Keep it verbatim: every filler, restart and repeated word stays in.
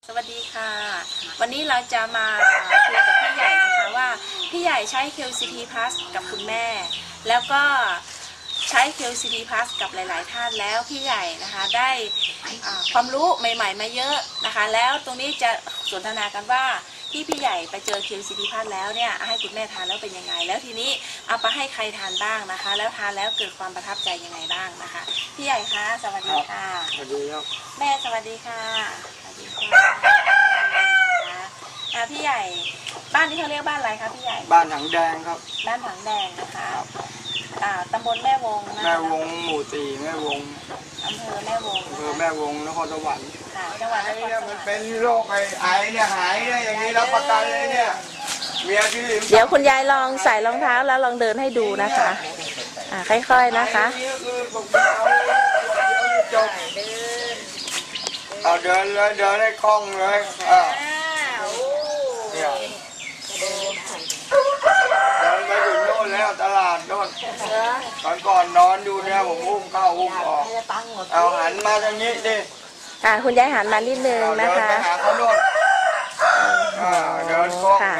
สวัสดีค่ะวันนี้เราจะมาคุยกับพี่ใหญ่นะคะว่าพี่ใหญ่ใช้ เค ซี ที Plus กับคุณแม่แล้วก็ใช้ เค ซี ที Plus กับหลายๆท่านแล้วพี่ใหญ่นะคะได้ความรู้ใหม่ๆมาเยอะนะคะแล้วตรงนี้จะสนทนากันว่าที่พี่ใหญ่ไปเจอ เค ซี ที Plus แล้วเนี่ยให้คุณแม่ทานแล้วเป็นยังไงแล้วทีนี้เอาไปให้ใครทานบ้างนะคะแล้วทานแล้วเกิดความประทับใจยังไงบ้างนะคะพี่ใหญ่คะสวัสดีค่ะสวัสดีครับแม่สวัสดีค่ะสวัสดีค่ะพี่ใหญ่บ้านที่เขาเรียกบ้านอะไรคะพี่ใหญ่บ้านถังแดงครับบ้านถังแดงนะคะอ่าตำบลแม่วงนะแม่วงหมู่สี่แม่วงอำเภอแม่วงอำเภอแม่วงนครสวรรค์ค่ะจังหวัดนครสวรรค์มันเป็นโรคไอไอเนี่ยหายเนี่ยอย่างนี้รับประกันเลยเนี่ยเมียที่เดี๋ยวคุณยายลองใส่รองเท้าแล้วลองเดินให้ดูนะคะอ่าค่อยๆนะคะเอาเดินเลยเดินให้คล่องเลยอ่าเนี่ยเดินไปถึงโน่นแล้วตลาดโน่นตอนก่อนนอนอยู่เนี่ยผมอุ้มเข้าอุ้มออกเอาหันมาทางนี้ดิอ่าคุณยายหันมานิดนึงนะคะเดินไปหาเขาโน่นเดินคล่อง